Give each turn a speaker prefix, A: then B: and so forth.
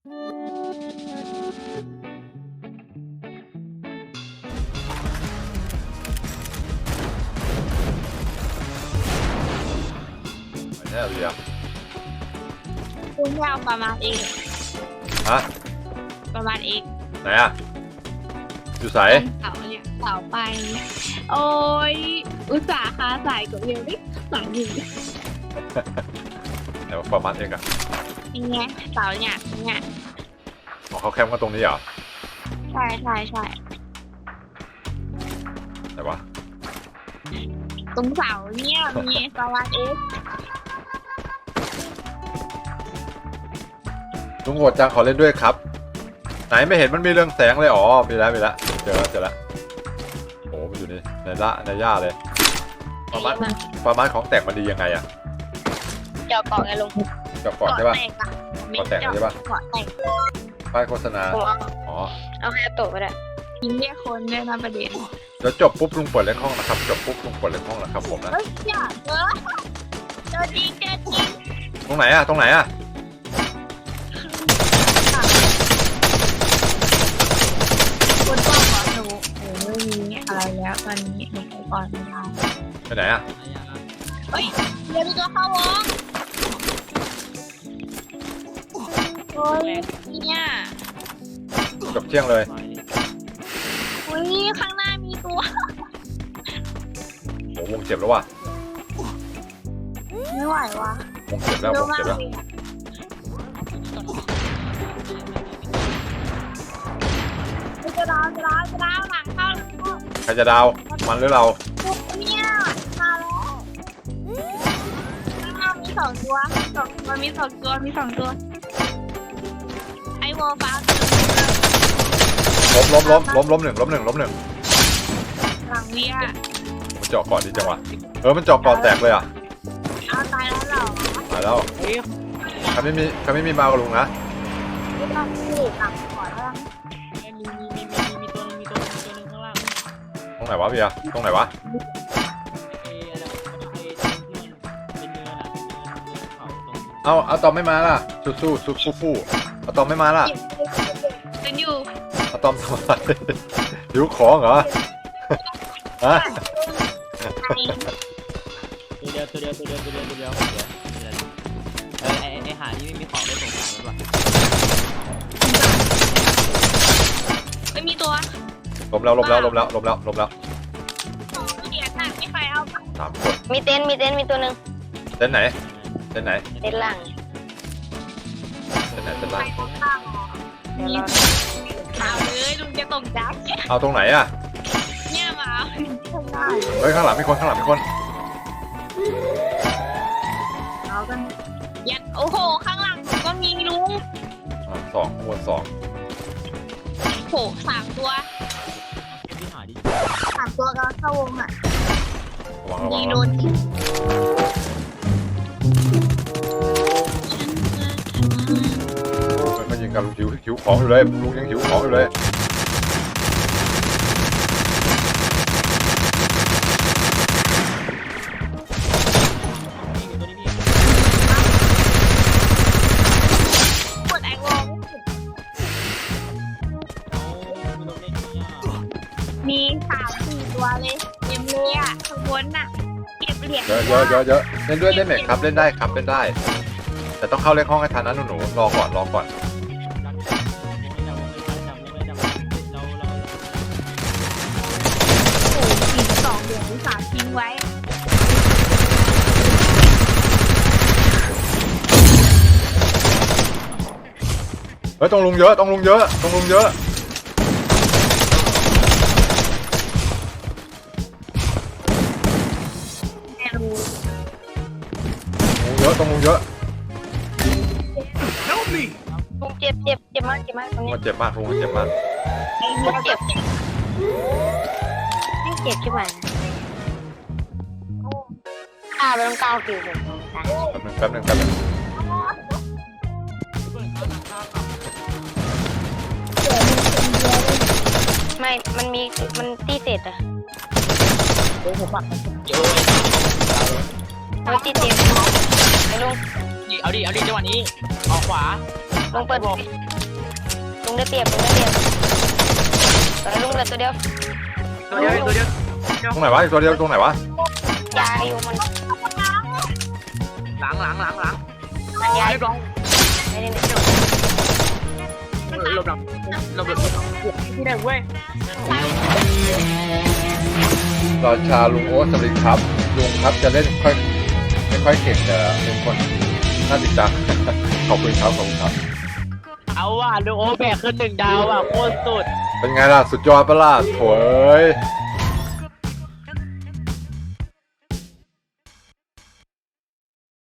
A: แน่เลยอ่ะ
B: คุณยาวประมาณเอง
A: ฮะ
B: ประมาณเอง
A: ไหนอ่ะอยู่ใส
B: เสาเนี่ยเสาไปโอ้ยอุตส่าห์คาใส่กับเรียวดิหลังอยู่
A: ไหนว่าประมาณเองอ่ะ
B: อย่างเงี้ยเสาเนี่ยเนี่ย
A: ของเขาแคมป์กันตรงนี้เหรอ
B: ใช่ใช่ใช่
A: ไหนวะ
B: ตรงเสาเนี่ยมีประมาณเอง
A: ลุงโหดจังขอเล่นด้วยครับไหนไม่เห็นมันมีเรื่องแสงเลยอ๋อมีแล้วเจอแล้วโอ้มันอยู่นี่ในหญ้าเลยประมาณของแต่งมันดียังไงอะ
B: เจาะเกาะไงลุง
A: กับก่อนใช่ป่ะ
B: แตกอะ
A: เกาะแตกใช่ปะ
B: เกาะแตก
A: ป้ายโฆษณาอ๋อ
B: เอาแค่โตะก็ได้ยิงเรียกคนด้วยนะประเด็น
A: เดี๋ยวจบปุ๊บลุงเปิดเล่นห้องนะครับจบปุ๊บลุงเปิดเล่นห้องนะครับผมนะ
B: เฮ้ยอย่าเจอจริง
A: ตรงไหนอะ
B: คนบอกว่าหนูไม่มีอะไรแล้วตอนนี้หนูไปก่อนไม่ได้
A: ไปไหนอะ
B: เฮ้ยเดี๋ยวมีตัวเข้าวงโอ้ยเนี่ย
A: จบเที่ยงเลย
B: อุ้ยข้างหน้ามีตัว
A: โอ้วงเจ็บแล้วว่ะ
B: ไม่ไหววะ
A: วงเจ็บแล้ววงเจ็บแล้ว
B: จะดาวหลังเข้า
A: ใครจะดาวมันหรือเรา
B: เนี่ยมาแล้วข้างหน้ามีสองตัวมีสองตัวไอโวฟ้า
A: ล้มหนึ่ง
B: หลังเวีย
A: มันเจาะก่อนดีจังวะมันเจาะก่อนแตกเลยอ่ะ
B: เอาตายแล้วเหรอ
A: ตายแล้วใครไม่มีมากับลุงนะ
B: ไม่ต้องรีบหลังก่อนแล้ว
C: มีตัวนึงข้างล่าง
A: ตรงไหนวะเบียร์ตรงไหนวะ
C: เป็นเนินอ่ะเขาตรง
A: เอาตอมไม่มาล่ะสู้เอาตอมไม่มาล่ะ
B: เป็นอยู่
A: เอาตอมทำอะไรหิวของเหรอฮะ
C: ตัวเดียวไอหานี่ไม่มีของได้สงสารมันว่ะ
B: ไม่มีตัว
A: ล้มแล้ว
B: เหรียญน่ะไม่ใครเอา
A: 3 คน
D: มีเต็นท์มีตัวหนึ่ง
A: เต้นไหน
D: เต็นท์หลัง
A: เต้นไหน
D: เดี๋ยวเรา
B: เอาเลยลุงจะตกดับ
A: เอาตรงไหนอ่ะ
B: เนี่ยมาทำได้
A: เฮ้ยข้างหลังมีคน
B: เอากันยัดโอ้โหข้างหลังก็มีลุง
A: 2วน2
B: โห3 ตัว
C: ที่หาดิ
B: 3 ตัวก็เข้าวงอ่ะ
A: ระวัง
B: มีโดน
A: มันยิงกันลุงหิวของอยู่เลยลุงยังหิวของอยู่เลย
B: กดไอวงมี3-4 ตัวเลยเต็มเลยอ่ะข้างบนน่ะเก็บเหรียญ
A: เยอะเล่นด้วยได้ไหมครับเล่นได้ครับเล่นได้แต่ต้องเข้าเลขห้องให้ทันนะหนูรอก่อน
B: โอ้โหอีก2 เหรียญที่3ทิ้งไว้
A: เฮ้ยต้องลุงเยอะ
B: แม่รู้
A: ต้องลุงเยอะ
D: ลุงเจ็บมากตรงนี้
A: มันเจ็บมากลุงมันเจ็บมาก
B: ไอ้เนี่ยเก็บ
D: ไม่เจ็บใช่ไหมข้าไปต้องก้าวคิวเลย
A: แป๊บนึง
D: ไม่มันตีเสร็จอะเอาตีเต็มไอ้ลุง
C: เอาดิจังหวะนี้ออกขวา
D: ลุงเปิดลุงได้เปรียบลุงได้เปรียบลุงเหลือตัวเดียว
C: ตัวเดียวตัวเดียว
A: ตรงไหนวะอีกตัวเดียวตรงไหนวะ
D: ยาอยู่มัน
C: หลัง
D: มันยา
C: เรียบร้อย
D: ไม่ได้
C: หลบหลังที่ไหนเว้ย
A: ราชาลุงโอ๊ตสวัสดีครับลุงครับจะเล่นไม่ค่อยเก่งแต่เป็นคนน่าติดตาม ขอบคุณครับขอบคุณครับ
C: เอาว่ะดูโอแบกขึ้น1 ดาวอ่ะโคตรสุด
A: เป็นไงล่ะสุดยอดปะล่ะโถย